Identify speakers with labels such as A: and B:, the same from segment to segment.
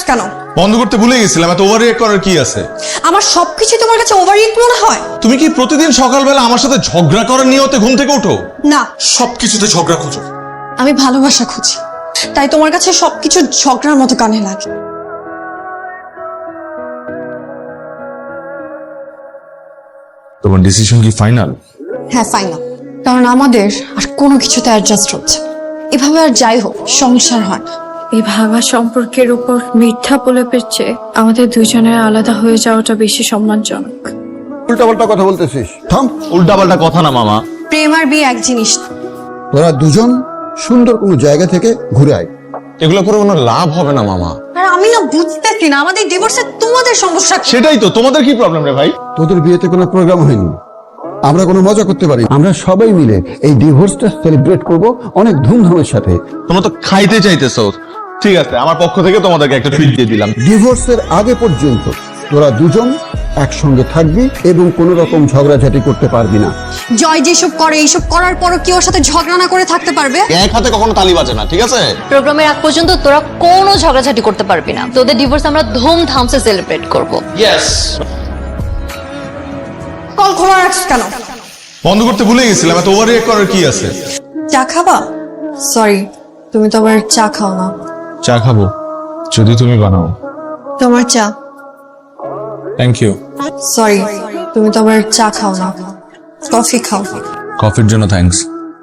A: কেন?
B: বন্ধ করতে ভুলে গেছিলাম। এত ওভার রিঅ্যাক্ট করার কি আছে?
A: আমার সবকিছু তোমার কাছে ওভার রিঅ্যাক্ট মনে হয়?
B: তুমি কি প্রতিদিন সকালবেলা আমার সাথে ঝগড়া করার নিয়তে ঘুম থেকে ওঠো?
A: না,
B: সবকিছুতে ঝগড়া খুঁজো।
A: আমি ভালোবাসা খুঁজি, তাই তোমার কাছে সবকিছু ঝগড়ার মতো কানে লাগে।
B: তোমার ডিসিশন কি ফাইনাল?
A: হ্যাঁ, ফাইনাল। কারণ আমাদের আর কোনো কিছুতে অ্যাডজাস্ট হচ্ছে। এভাবে আর যাই হোক সংসার হয় না।
C: এই ভাঙা সম্পর্কের উপর মিথ্যা প্রলেপের চেয়ে আমাদের দুজনের আলাদা হয়ে যাওয়াটা বেশি সম্মানজনক।
D: উল্টাপাল্টা কথা বলতেছিস, থাম।
B: উল্টাপাল্টা কথা না মামা।
A: প্রেম আর বিয়ে এক জিনিস না।
D: তোরা দুজন সুন্দর কোনো জায়গা থেকে ঘুরে আয়।
B: এগুলো করে কোনো লাভ হবে না মামা।
A: আর আমি না বুঝতেছি না আমাদের ডিভোর্সে তোমাদের সমস্যা কি?
B: সেটাই তো, তোমাদের কি প্রবলেম রে ভাই?
D: তোদের বিয়েতে কোনো প্রোগ্রাম হয়নি, আমরা কোনো মজা করতে পারি। আমরা সবাই মিলে এই ডিভোর্সটা সেলিব্রেট করব অনেক ধুমধামের সাথে।
B: তোমরা তো খাইতে চাইতেছো। ঠিক আছে, আমার পক্ষ থেকে তোমাদেরকে একটা ট্রিট দিয়ে দিলাম।
D: ডিভোর্সের আগে পর্যন্ত তোরা দুজন একসঙ্গে থাকবি এবং কোনো রকম ঝগড়াঝাটি করতে পারবি না।
A: জয় যেসব করে এইসব করার পরও কি ওর সাথে ঝগড়া না করে থাকতে পারবে?
B: এক হাতে কখনো তালি বাজে না, ঠিক আছে?
E: প্রোগ্রামের আগ পর্যন্ত তোরা কোনো ঝগড়াঝাটি করতে পারবি না। তোদের ডিভোর্স আমরা ধুমধামসে সেলিব্রেট করব।
B: ইয়েস।
A: কল খোলা রাখছ কেন?
B: বন্ধ করতে ভুলে গেছিলাম। এত ওভার রিঅ্যাক্ট করার কি আছে?
A: চা খাবা? সরি, তুমি তো আবার চা খাও না।
B: চা খাবো যদি তুমি বানাও।
A: তোমার চা।
B: Thank you.
A: সরি, তুমি তো আবার চা খাও না, কফি খাও।
B: কফির জন্য থ্যাঙ্কস।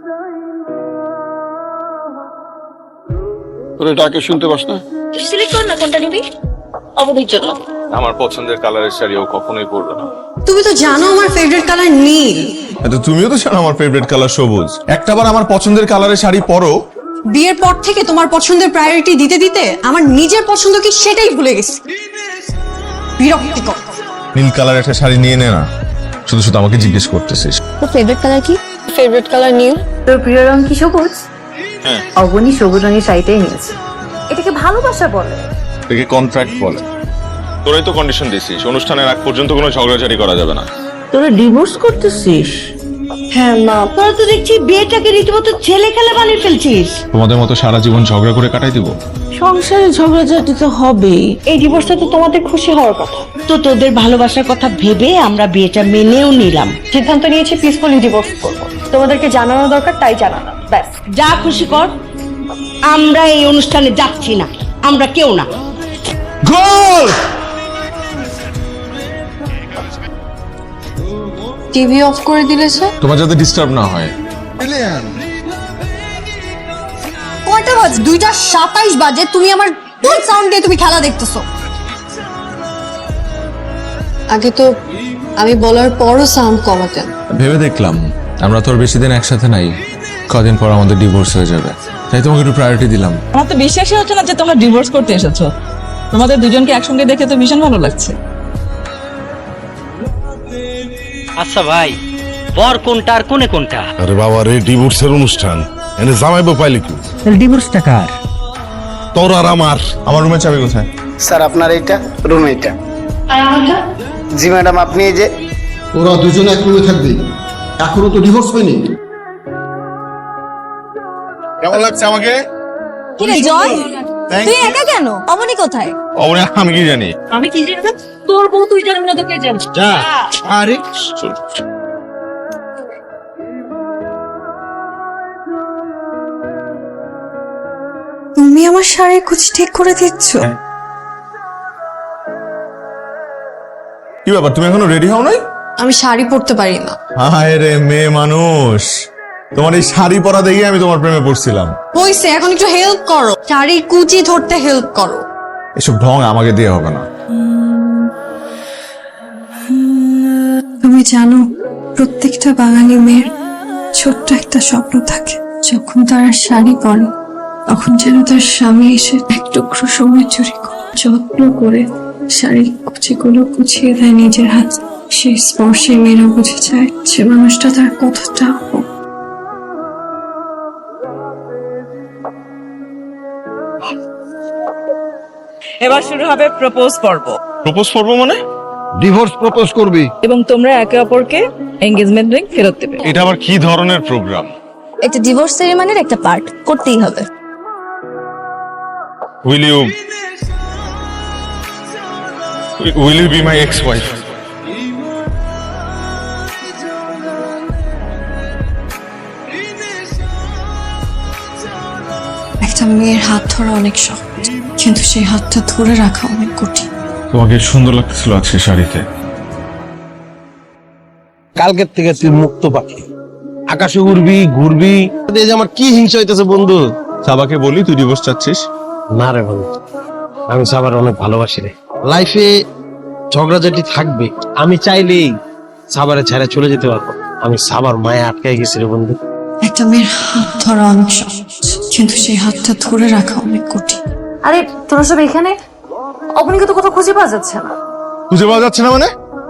D: তোরা ডাকে শুনতে পাস না?
E: সিলেক্ট কর না কোনটা নিবি। অবধির জন্য
B: আমার পছন্দের কালারের শাড়ি ও কখনোই পরবে না।
A: তুমি তো জানো আমার ফেভারিট কালার নীল।
B: তো তুমিও তো জানো আমার ফেভারিট কালার সবুজ। একটাবার আমার পছন্দের কালারের শাড়ি পরো।
A: বিয়ের পর থেকে তোমার পছন্দের প্রায়োরিটি দিতে দিতে আমার নিজের পছন্দ কি সেটাই ভুলে গেছি। বিরক্তিকর।
B: নীল কালার একটা শাড়ি নিয়ে নে না, শুধু শুধু আমাকে জিজ্ঞেস করতেছিস।
E: তোর ফেভারিট কালার কি? ফেভারিট কালার নীল।
C: তোর প্রিয় রং কি সবুজ?
B: হ্যাঁ।
C: অবনী সবুজ রঙের শাড়িটাই নিয়েছে। এটাকে ভালোবাসা বলে?
B: একে কন্ট্রাক্ট বলে। তোরাই তো কন্ডিশন দিছিস অনুষ্ঠানের আগ পর্যন্ত কোনো ঝগড়াঝাটি করা যাবে না।
F: তোরা ডিভোর্স করতেছিস?
A: হ্যাঁ মা।
F: তোরা তো দেখছি বিয়েটাকে রীতিমতো ছেলে খেলা বানিয়ে ফেলছিস।
B: তোমাদের মতো সারা জীবন ঝগড়া করে কাটাই দিব?
F: সংসারে ঝগড়াঝাটি তো হবেই।
C: এই ডিভোর্সটা তো তোমাদের খুশি হওয়ার কথা।
F: তো তোদের ভালোবাসার কথা ভেবে আমরা বিয়েটা মেনেও নিলাম।
C: সিদ্ধান্ত নিয়েছি পিসফুলি ডিভোর্স করব। তোমাদেরকে জানানো দরকার তাই জানানো, ব্যাস।
F: যা খুশি কর, আমরা এই অনুষ্ঠানে যাচ্ছি না, আমরা কেউ না।
B: গোল!
A: টিভি অফ করে দিলে স্যার।
B: তোমার যাতে ডিস্টার্ব না হয়।
A: কয়টা বাজে? 2:27 বাজে। তুমি আমার ফুল সাউন্ড দিয়ে তুমি খেলা দেখতেছো। আগে তো আমি বলার পরও সাউন্ড কমাতেন।
B: ভেবে দেখলাম আমরা তো আর বেশি দিন একসাথে নাই, কদিন পর আমাদের ডিভোর্স হয়ে যাবে, তাই তোমাকে একটু প্রায়োরিটি দিলাম।
G: আমার তো বিশ্বাসই হচ্ছে না যে তোমরা ডিভোর্স করতে এসেছো। তোমাদের দুজনকে একসঙ্গে দেখে তো ভীষণ ভালো লাগছে।
H: আচ্ছা ভাই, বর কোনটা আর কোনে কোনটা?
I: আরে বাবা রে, ডিভোর্সের অনুষ্ঠান এনে জামাইবো পাইলি কি?
H: ডিভোর্সটা কার?
I: তোর আর আমার।
B: আমার রুমের চাবি কোথায়?
J: স্যার আপনার এইটা রুম এইটা। জি ম্যাডাম, আপনি এই যে।
D: তোরা দুজন এক রুমে থাকবি, এখনো তো ডিভোর্স হয়নি।
B: কেমন লাগছে আমাকে?
A: কি রে জয়, তুই একা কেন? অমনি কোথায়?
B: আমি কি জানি?
G: আমি কি জানি? তোর বউ তুই জানবি না, তোকে জানি।
J: যা। আরে
A: তুমি আমার শাড়ির কুচি ঠিক করে দিচ্ছ?
B: কি ব্যাপার, তুমি এখনো রেডি হও নাই?
A: আমি শাড়ি পরতে পারি না।
B: হায় রে মেয়ে মানুষ, তোমার এই শাড়ি পরা দেখে আমি তোমার প্রেমে পড়ছিলাম।
A: হইছে, এখন একটু হেল্প করো, শাড়ির কুচি ধরতে হেল্প করো।
B: এসব ঢং আমাকে দিয়ে হবে না।
C: তুমি জানো, প্রত্যেকটা বাঙালি মেয়ের ছোট্ট একটা স্বপ্ন থাকে, যখন তারা শাড়ি পরে তখন যেন তার স্বামী এসে এক টুকরো সময় চুরি করে যত্ন করে শাড়ির কুচিগুলো গুছিয়ে দেয় নিজের হাত। সেই স্পর্শে মেয়েরা বুঝে যায় সে মানুষটা তার কতটা আপন।
G: এবার শুরু হবে প্রপোজ পর্ব।
B: প্রপোজ করবো মানে?
D: ডিভোর্স প্রপোজ করবি?
G: এবং তোমরা একে অপরকে এনগেজমেন্ট রিং ফেরত দেবে।
B: এটা আবার কি ধরনের প্রোগ্রাম?
E: একটা ডিভোর্স সেরিমনির একটা পার্ট করতেই হবে।
B: Will you will you be my ex wife?
C: একটা মেয়ের হাত ধরা অনেক সহজ, কিন্তু সেই হাতটা ধরে রাখা অনেক কঠিন।
B: তোমাকে সুন্দর লাগছিল আজকে শাড়িতে।
J: কালকের থেকে তুই মুক্ত পাখি, আকাশে উড়বি ঘুরবি। এই যে আমার কি হিংসা হইতেছে বন্ধু।
B: সাবাকে বলি তুই ডিভোর্স চাচ্ছিস?
J: না রে বন্ধু, আমি সাবার অনেক ভালোবাসি রে। লাইফে ঝগড়াঝাটি থাকবে, আমি চাইলেই সাবারে ছেড়ে চলে যেতে পারবো। আমি সাবার মায়ে আটকাই গেছি রে বন্ধু।
C: একটা মেয়ের হাত ধরা অনেক সহজ, কিন্তু সেই হাতটা ধরে রাখা অনেক কঠিন।
E: আরে তোরা সব এখানে? অবনীকে তো কোথাও খুঁজে পাওয়া যাচ্ছে না।
B: খুঁজে পাওয়া যাচ্ছে না মানে?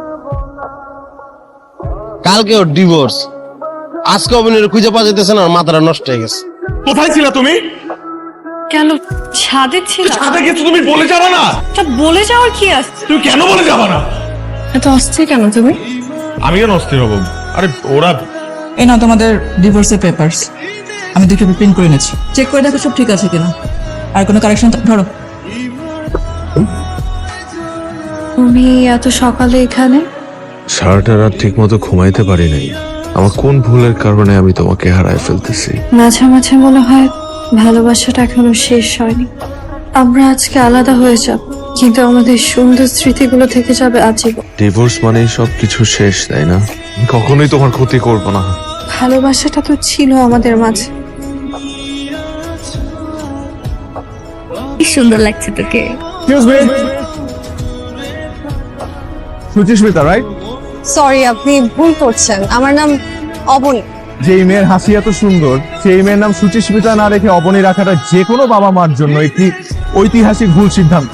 J: কালকে ওর ডিভোর্স, আজকে অভিনয়ের খুঁজে পাওয়া যেতেছে না, মাথাটা নষ্ট হয়ে গেছে।
B: কোথায় ছিল তুমি?
C: কেন ছাদে ছিল?
B: ছাদে গেছো তুমি, বলে যাবা না?
C: তা বলে যাওয়ার কি আছে?
B: তুমি কেন বলে যাবা না?
C: এত অস্থির কেন তুমি?
B: আমি কেন অস্থির হব? আরে ওরা
G: এই নাও তোমাদের ডিভোর্সের পেপারস, আমি দুটো প্রিন্ট করে এনেছি, চেক করে দেখো সব ঠিক আছে কিনা। আর কোনো কারেকশন ধরো।
C: তুমি এত সকালে এখানে?
B: সারাটা রাত ঠিক মতো ঘুমাইতে পারি নাই। আমার কোন ভুলের কারণে আমি তোমাকে হারায় ফেলতেছি?
C: মাঝে মাঝে মনে হয় ভালোবাসাটা এখনো শেষ হয়নি। আমরা আজকে আলাদা হয়ে যাব, কিন্তু আমাদের সুন্দর স্মৃতিগুলো থেকে যাবে আজীবন।
B: ডিভোর্স মানেই সব কিছু শেষ, তাই না? আমি কখনোই তোমার ক্ষতি করব না।
C: ভালোবাসাটা তো ছিল আমাদের মাঝে।
E: কি সুন্দর লাগছে তোকে।
B: সুচিস্মিতা, রাইট?
A: সরি, আপনি ভুল করছেন। আমার নাম অবনী।
B: যেই মেয়ের হাসি এত সুন্দর, সেই মেয়ের নাম সুচিস্মিতা না রেখে অবনী রাখাটা যে কোনো বাবা মার জন্য একটি ঐতিহাসিক ভুল সিদ্ধান্ত।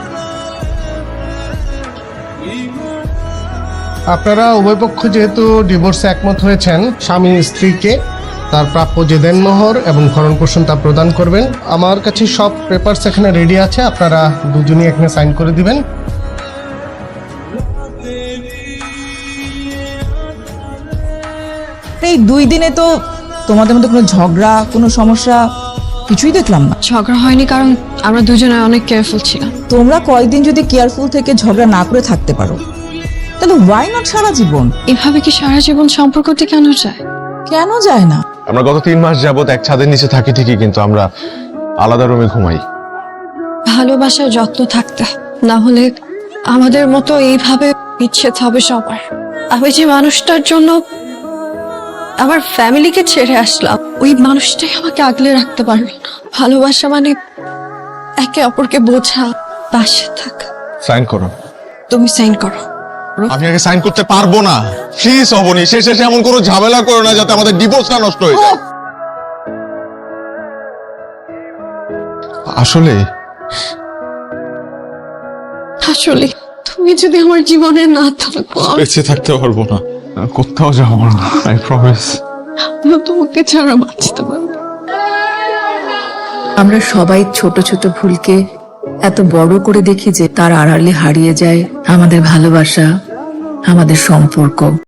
K: আপনারা উভয় পক্ষ যেহেতু ডিভোর্সে একমত হয়েছেন, স্বামী স্ত্রীকে তার প্রাপ্য যে দেনমোহর এবং ভরণ পোষণ তা প্রদান করবেন। আমার কাছে সব পেপারস এখানে রেডি আছে, আপনারা দুজনই এখানে সাইন করে দিবেন।
G: এই 2 দিনে তো তোমাদের মধ্যে কোনো ঝগড়া, কোনো সমস্যা কিছুই দেখলাম না।
C: ঝগড়া হয়নি কারণ আমরা দুজনে অনেক কেয়ারফুল ছিলাম।
G: তোমরা কয়েকদিন যদি কেয়ারফুল থেকে ঝগড়া না করে থাকতে পারো, তাহলে ওয়াই নট সারা জীবন?
C: এভাবে কি সারা জীবন সম্পর্ক টিকানো যায়?
G: কেন যায় না?
B: আমরা গত 3 মাস যাবত এক ছাদের নিচে থাকি ঠিকই, কিন্তু আমরা আলাদা রুমে ঘুমাই।
C: ভালোবাসার যত্ন থাকতে, না হলে আমাদের মতো এইভাবে বিচ্ছেদ হবে সবার। আমি যে মানুষটার জন্য আমার ফ্যামিলিকে ছেড়ে আসলাম, ওই মানুষটাই আমাকে আগলে রাখতে পারলো না। ভালোবাসা মানে একে অপরকে বোঝা, পাশে থাকা।
B: সাইন করো।
C: তুমি সাইন করো।
B: আমি আগে সাইন করতে পারবো না। প্লিজ অবনী, শেষে এমন কোনো ঝামেলা করো না যাতে আমাদের ডিভোর্সটা নষ্ট হয়ে যায়। আসলে
C: আসলে তুমি যদি আমার জীবনে না থাকো,
B: বেঁচে থাকতে পারবো না, কোথাও যাবো না, আই প্রমিস।
C: আমি তোমাকে ছাড়া বাঁচতে পারবো না।
L: আমরা সবাই ছোট ছোট ভুলকে এত বড় করে দেখি যে তার আড়ালে হারিয়ে যায় আমাদের ভালোবাসা, আমাদের সম্পর্ক।